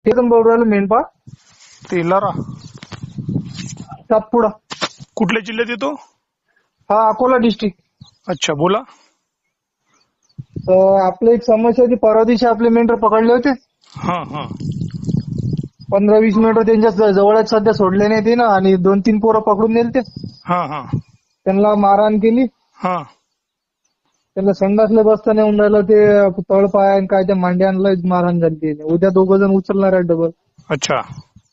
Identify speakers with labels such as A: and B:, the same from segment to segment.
A: तेच बोलू राहिलो मेंढपाळ
B: तेलारा.
A: सातपुडा.
B: कुठल्या जिल्ह्यात येतो?
A: हा अकोला डिस्ट्रिक्ट.
B: अच्छा, बोला.
A: आपली एक समस्या होती. परवा दिवशी आपले मेंढर पकडले होते.
B: हा हा
A: 15-20 मिनिटं त्यांच्या जवळच सध्या सोडले नाही ते ना, आणि 2-3 पोरं पकडून नेलते.
B: हा हा
A: त्यांना मारहाण केली.
B: हा
A: त्यांना संडासला बसता नाही राहिलं. ते तळपाय आणि काय त्या मांड्यांना मारहाण झाली. उद्या 2 जण उचलणार आहे डबल.
B: अच्छा,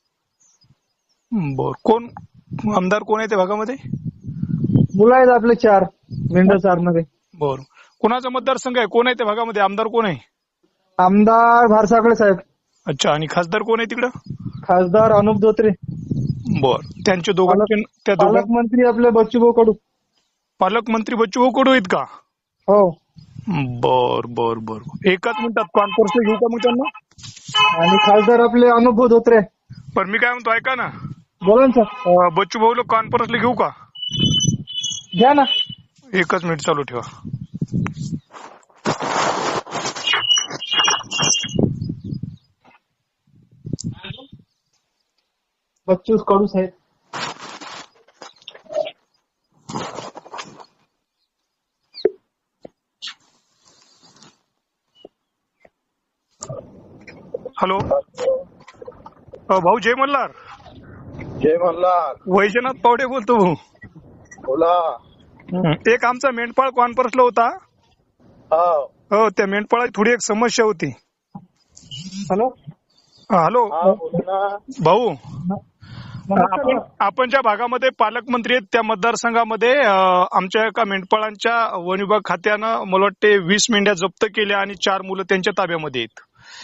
B: बर. कोण आमदार कोण आहे त्या भागामध्ये?
A: मुलं आहेत आपले 4 मेंढर चारणारे.
B: बर. कोणाचा मतदारसंघ आहे? कोण आहे त्या भागामध्ये? आमदार कोण आहे?
A: आमदार भारसाकडे साहेब.
B: अच्छा, आणि खासदार कोण आहे तिकडं?
A: खासदार अनुप धोत्रे.
B: बर. त्यांचे दोघांचे त्या दोघां
A: पालकमंत्री आपले बच्चूभाऊ कडू.
B: पालकमंत्री बच्चूभाऊ कडू आहेत का?
A: हो.
B: बर बर बर. एकाच मिनिटात कॉन्फरन्स घेऊ का मग त्यांना?
A: आणि खासदार आपले अनुप धोत्रे.
B: पण मी काय म्हणतो, ऐका ना.
A: बोला ना सर.
B: बच्चूभाऊला कॉन्फरन्सला घेऊ का?
A: घ्या ना.
B: एकच मिनिट चालू ठेवा.
A: बच्चू कडू साहेब.
B: हॅलो. भाऊ जय मल्हार.
C: जय मल्हार.
B: वैजनाथ पावडे बोलतो भाऊ.
C: बोला.
B: एक आमचा मेंढपाळ कॉन्फरन्सला होता. हो, त्या मेंढपाळाची थोडी एक समस्या होती.
A: हॅलो.
B: हॅलो भाऊ.
A: नमस्कार.
B: आपण ज्या भागामध्ये पालकमंत्री आहेत त्या मतदारसंघामध्ये आमच्या एका मेंढपाळांच्या वन विभाग खात्यानं मला वाटते 20 मेंढ्या जप्त केल्या आणि 4 मुलं त्यांच्या ताब्यामध्ये आहेत.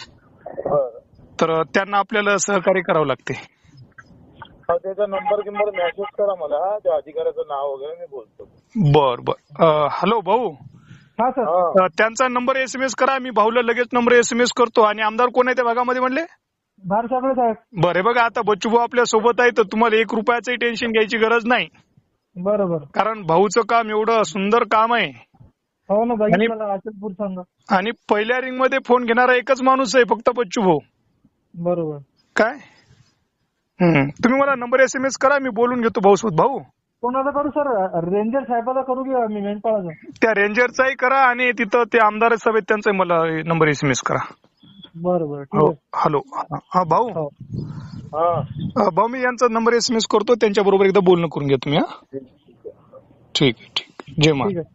B: तर त्यांना आपल्याला सहकार्य करावं लागते.
C: त्याचा नंबर किंवा मेसेज करा मला, त्या अधिकाऱ्याचं नाव वगैरे मी बोलतो.
B: बर बर. हॅलो भाऊ.
A: हा सर.
B: त्यांचा नंबर SMS करा. मी भाऊला लगेच नंबर SMS करतो. आणि आमदार कोण आहे त्या भागामध्ये म्हणले?
A: भारसाकडे साहेब.
B: बरं बघा, आता बच्चूभाऊ आपल्या सोबत आहे तर तुम्हाला 1 रुपयाचंही टेन्शन घ्यायची गरज नाही.
A: बरोबर.
B: कारण भाऊचं काम एवढं सुंदर काम आहे.
A: हो ना, बघितलं अचलपूर सांगा.
B: आणि पहिल्या रिंग मध्ये फोन घेणारा एकच माणूस आहे, फक्त बच्चूभाऊ.
A: बरोबर.
B: काय तुम्ही मला नंबर SMS करा, मी बोलून घेतो भाऊ सोबत. भाऊ
A: कोणाला करू सर? रेंजर साहेबाला करू की मी मेंढपाळाचा?
B: त्या रेंजरचाही करा आणि तिथं ते आमदार सभेत त्यांचा मला नंबर SMS करा.
A: बरोबर.
B: हो. हॅलो. हा भाऊ. भाऊ मी यांचा नंबर SMS करतो, त्यांच्या बरोबर एकदा बोलणं करून घ्या तुम्ही. हा ठीक आहे. ठीक आहे. जय महाराज.